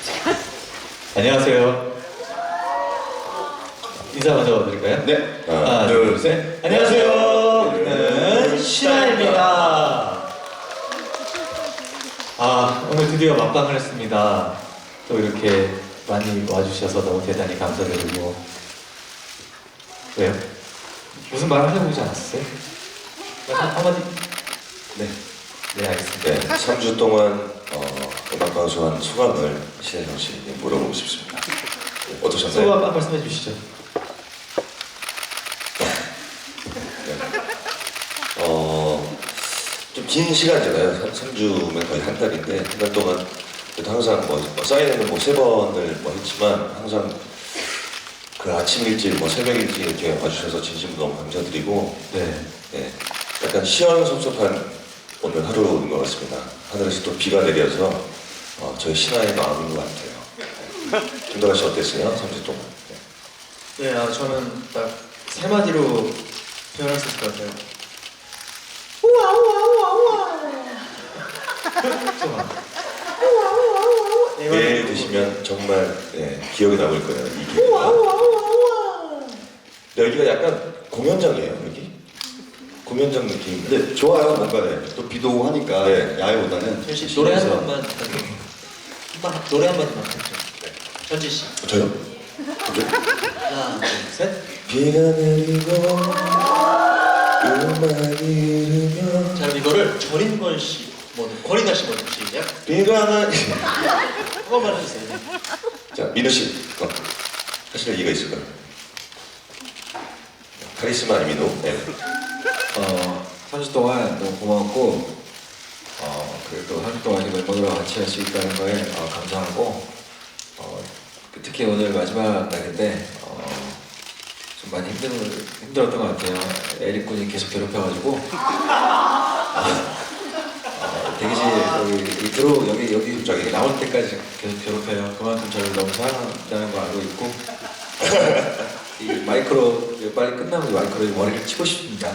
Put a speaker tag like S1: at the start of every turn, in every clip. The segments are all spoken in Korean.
S1: 안녕하세요. 인사 먼저 드릴까요?
S2: 네.
S1: 하나, 둘, 셋. 안녕하세요. 저는 신하입니다. 오늘 드디어 막방을 했습니다. 또 이렇게 많이 와주셔서 너무 대단히 감사드리고. 왜요? 무슨 말 하려고 하지 않았어요? 한마디? 네. 네, 알겠습니다.
S2: 네, 3주 동안 음악 방송한 소감을 신혜성 씨 물어보고 싶습니다. 네, 어떠셨나요?
S1: 소감 한 말씀해 주시죠.
S2: 좀 긴 시간이잖아요. 3주면 거의 한 달인데 한 달 동안 그래도 항상 사인회는 3번을 했지만 항상 그 아침 일찍 새벽 일찍 이렇게 와주셔서 진심으로 너무 감사드리고
S1: 네.
S2: 네, 약간 시원섭섭한 오늘 하루인 것 같습니다. 하늘에서 또 비가 내려서 저희 신하의 마음인 것 같아요. 김도라 씨 어땠어요? 3주 동안.
S3: 네, 저는 딱 세 마디로 표현할 수 있을 것 같아요. 우와 우와 우와 우와.
S2: 내일 드시면 정말 기억에 남을 거예요. 이 기회가.
S3: 우와 우와 우와 우와.
S2: 여기가 약간 공연장이에요. 여기? 공연장 느낌.
S4: 네, 좋아요. 뭔가 또 비도 오고 하니까
S2: 네.
S4: 야외보다는
S3: 현씨 노래 한 번만 노래 한 번만 부탁드려요. 현지 씨.
S2: 저요?
S3: 하나, 둘, 셋.
S2: 비가 내리고 음악이 흐르면
S3: 자, 그럼 이거를 전인권 씨, 권인아 씨 먼저 시작.
S2: 비가 나.
S3: 한 번만 해주세요. 네.
S2: 자, 민우 씨, 사실 얘기가 있을 거예요. 카리스마 민우. 네.
S5: 3주 동안 너무 고마웠고 그리고 또 3주 동안 이 멤버들과 같이 할 수 있다는 거에 감사하고 특히 오늘 마지막 날인데 좀 많이 힘들었던 것 같아요. 에릭 군이 계속 괴롭혀가지고 대기실 여기 저기 나올 때까지 계속 괴롭혀요. 그만큼 저를 너무 사랑한다는 거 알고 있고 이 마이크로 빨리 끝나고 마이크로 머리를 치고 싶습니다.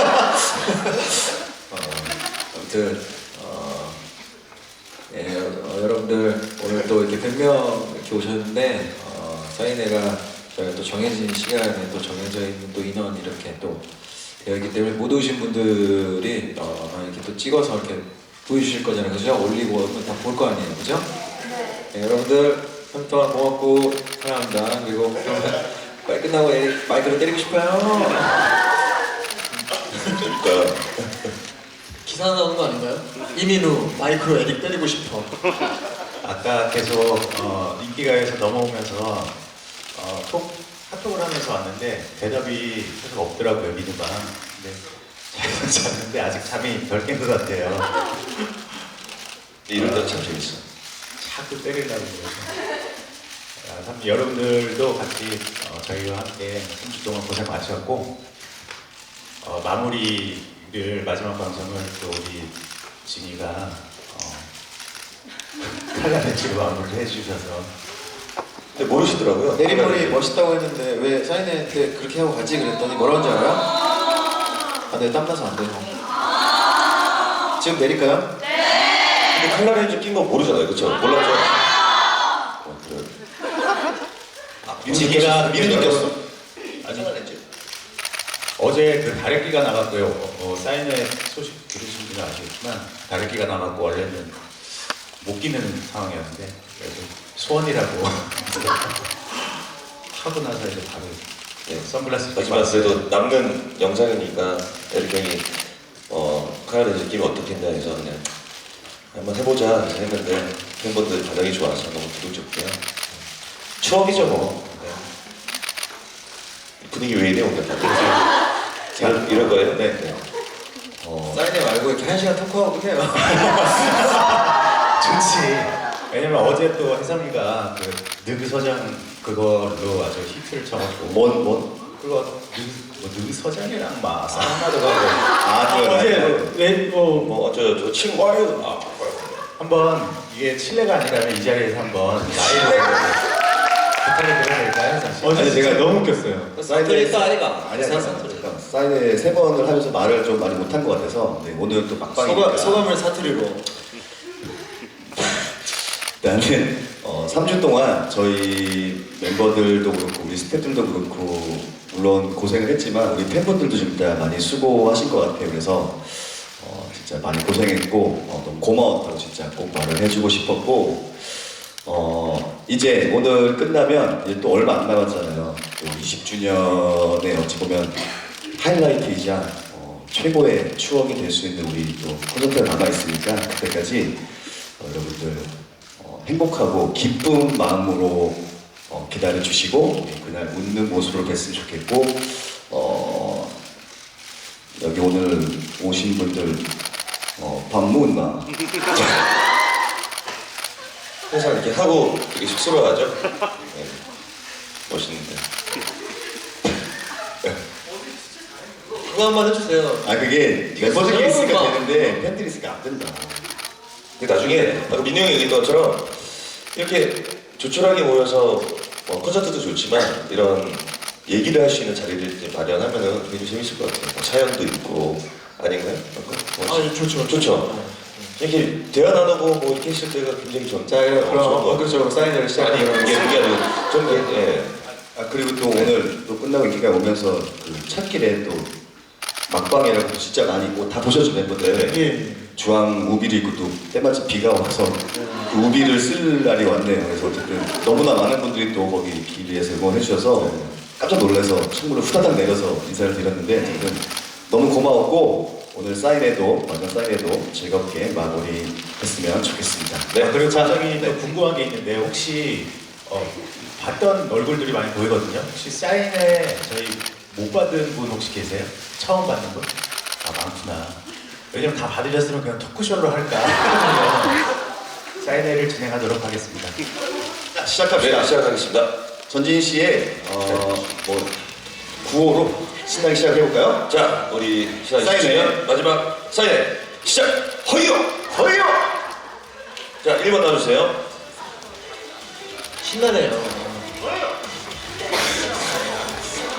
S5: 아무튼 여러분들 오늘 또 이렇게 100명 이렇게 오셨는데 사인회가 저희가 또 정해진 시간에 또 정해져 있는 또 인원 이렇게 또 되어 있기 때문에 못 오신 분들이 이렇게 또 찍어서 이렇게 보여주실 거잖아요, 그죠? 올리고 다 볼 거 아니에요, 그죠? 네, 여러분들 3주 동안 고맙고 사랑합니다. 그리고 빨리 끝나고 마이크로 때리고 싶어요.
S2: 그러니까
S3: 기사 나오는 거 아닌가요? 이민우 마이크로 에릭 때리고 싶어.
S1: 아까 계속 인기가요에서 넘어오면서 카톡을 하면서 왔는데 대답이 계속 없더라고요, 민우가. 근데 잘 잤는데 아직 잠이 덜 깬 것 같아요.
S2: 이럴 때참 재밌어.
S1: 자꾸 때리려고 그래서. 참 여러분들도 같이 저희와 함께 3주 동안 고생 많으셨고 마무리를 마지막 방송을 또 우리 진이가 칼라 벤치로 마무리를 해주셔서
S2: 근데 모르시더라고요.
S5: 내리머리 멋있다고 했는데 왜 사인회 때 그렇게 하고 가지 그랬더니 뭐라고 하는지 알아요? 네, 땀나서 안 돼요. 지금 내릴까요?
S2: 근데 칼라렌즈 낀 거 모르잖아요, 그렇죠? 몰랐죠? 그래요. 민우 느꼈어.
S1: 아니 어제 그 다래끼가 나갔고요. 사인회 소식 들으신 분은 아시겠지만 다래끼가 나갔고 원래는 못 끼는 상황이었는데 그래도 소원이라고 하고 나서 이제 바로 선글라스
S2: 마지막 그래도 남는 영상이니까 에릭 형이 칼라렌즈 끼면 어떻겠냐 해서 그냥 한번 해보자 해서 했는데 팬분들 반응이 좋아서 너무 기분 좋고요. 추억이죠 뭐. 분위기 왜 이래 오늘 다들 이런 거예요? 네.
S5: 사인회 말고 이렇게 1시간 토크하고 해요.
S1: 좋지. 왜냐면 어제 또 혜성이가 그 느그 서장 그걸로 아주 히트를 쳐가지고
S4: 뭔?
S1: 그거 느그 서장이랑 막 싸움하다가
S4: 어제
S2: 저 친구예요.
S1: 한번 이게 칠레가 아니라면 이 자리에서 한번 나이를 부탁을 드려도 될까요? 사실?
S4: 아니 제가 너무 웃겼어요.
S3: 사투리 또 아니가?
S4: 아니야, 잠깐. 사인회 3번을 하면서 말을 좀 많이 못한 것 같아서 오늘 또 막방이니까
S3: 소감을 사투리로.
S4: 나는 3주 동안 저희 멤버들도 그렇고 우리 스태프들도 그렇고 물론 고생을 했지만 우리 팬분들도 진짜 많이 수고하신 것 같아요. 그래서 진짜 많이 고생했고 너무 고마웠다고 진짜 꼭 말을 해주고 싶었고 이제 오늘 끝나면 이제 또 얼마 안 남았잖아요. 또 20주년에 어찌 보면 하이라이트이자 최고의 추억이 될 수 있는 우리 또 콘서트가 남아있으니까 그때까지 여러분들 행복하고 기쁜 마음으로 기다려주시고 그날 웃는 모습으로 뵀으면 좋겠고 여기 오늘 오신 분들 밥 먹나?
S2: 항상 이렇게 하고 되게 쑥스러워하죠? 네. 멋있는데.
S3: 그거 한번 해주세요.
S4: 아 그게 멤버들끼리 있으니까 되는데 팬들이 있으니까 안 된다.
S2: 근데 나중에 아까 민호 형이 얘기했던 것처럼 이렇게 조촐하게 모여서 콘서트도 좋지만 이런 얘기를 할 수 있는 자리를 이제 마련하면은 굉장히 재밌을 것 같아요. 뭐 사연도 있고 아닌가요?
S3: 좋죠.
S2: 좋죠. 이렇게 대화 나누고 뭐 이렇게 했을 때가 굉장히 전.
S3: 자, 그럼 본격적으로 사인회를
S2: 아니
S3: 시작하도록
S2: 그게 아니고 좀 예.
S4: 그리고 또 오늘 또 끝나고 이렇게 오면서 그 찾길에 또 막방이라고 진짜 많이 다 보셨죠 멤버들.
S3: 예.
S4: 주황 우비를 입고 또 때마침 비가 와서 그 우비를 쓸 날이 왔네요. 그래서 어쨌든 너무나 많은 분들이 또 거기 길에서 응원해 주셔서 깜짝 놀라서 선물을 후다닥 내려서 인사를 드렸는데 어쨌든 너무 고마웠고 오늘 사인회도 마지막 사인회도 즐겁게 마무리했으면 좋겠습니다.
S6: 네, 그리고 갑자기 또 궁금한 게 있는데 혹시 봤던 얼굴들이 많이 보이거든요. 혹시 사인회 저희 못 받은 분 혹시 계세요? 처음 받는 분? 아 많구나. 왜냐면 다 받으셨으면 그냥 토크쇼로 할까 하면 사인회를 진행하도록 하겠습니다.
S4: 자, 시작합시다.
S2: 네, 시작하겠습니다.
S4: 전진 씨의 구호로 신나게 시작해볼까요?
S2: 자, 우리 시작
S4: 사인회.
S2: 마지막 사인회 시작! 허이요!
S4: 허이요!
S2: 자, 1번 나와주세요.
S3: 신나네요.
S2: 자,